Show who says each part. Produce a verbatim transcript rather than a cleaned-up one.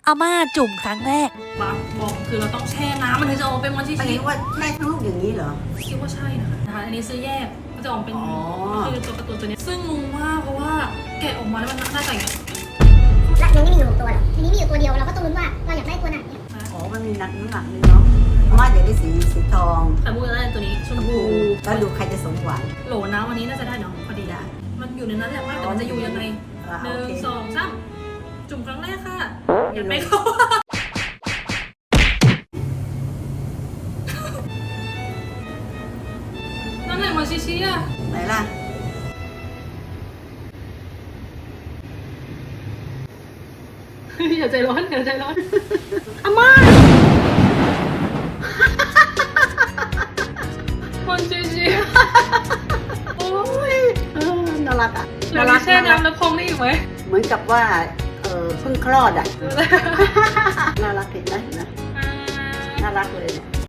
Speaker 1: อาม่าจุ่มครั้งแรก
Speaker 2: บักบอกคือเราต้องแช่น้ำมันถึงจะออกเป็นวันที่
Speaker 3: อัน
Speaker 2: ชิ
Speaker 3: นี้ว่าแช่ทั้งลูกอย่างนี้เหรอ
Speaker 2: คิดว่าใช่นะคะนะคะอันนี้ซื้อแยกมันจะออกเป็น
Speaker 3: อ๋อ
Speaker 2: คือตัวการ์ตูนตัวนี้ซึ่งงงมากเพราะว่าแกะออกมาแล้วมันน่าจะอย่างเงี้ย
Speaker 4: และมันไม่มีอยู่หกตัวหรอกทีนี้มีอยู่ตัวเดียวเราก็ต้องลุ้นว่าเราอยากได้ตัวไหนเนี่ย
Speaker 3: อ๋อ มันมีนักน้ำหนักนึงเนาะอาม่าอยากได้สีสีทอง
Speaker 2: แต่มูจะได้ตัวนี้ชมพู
Speaker 3: แล้วดูใครจะสมหวัง
Speaker 2: โหลน้ำวันนี้น่าจะได้เนาะพอดี
Speaker 3: ได้
Speaker 2: มันอยู่ในนั้นแหละว่าแต่มันจะอยู่ยังไง
Speaker 3: อ่า
Speaker 2: หนึ่
Speaker 3: โอง เค
Speaker 2: สองสามจุ่มครั้งแรกค่ะอยากไปเขานั่นแหละมาชิชิอะ
Speaker 3: ไหนล่ะ
Speaker 2: อย่าใจร้อนอย่าใจร้อน
Speaker 3: อาม่า
Speaker 2: มันชิชิ
Speaker 3: โอ้ยเออน่ารักอ่ะ
Speaker 2: เราได้แช่น้ำแล้วพองได้อีกไหม
Speaker 3: เหมือนกับว่า เออเพิ่งคลอดอ่ะ น่ารักเห็นไหมเห็นไหมน่ารักเลยเนี่ย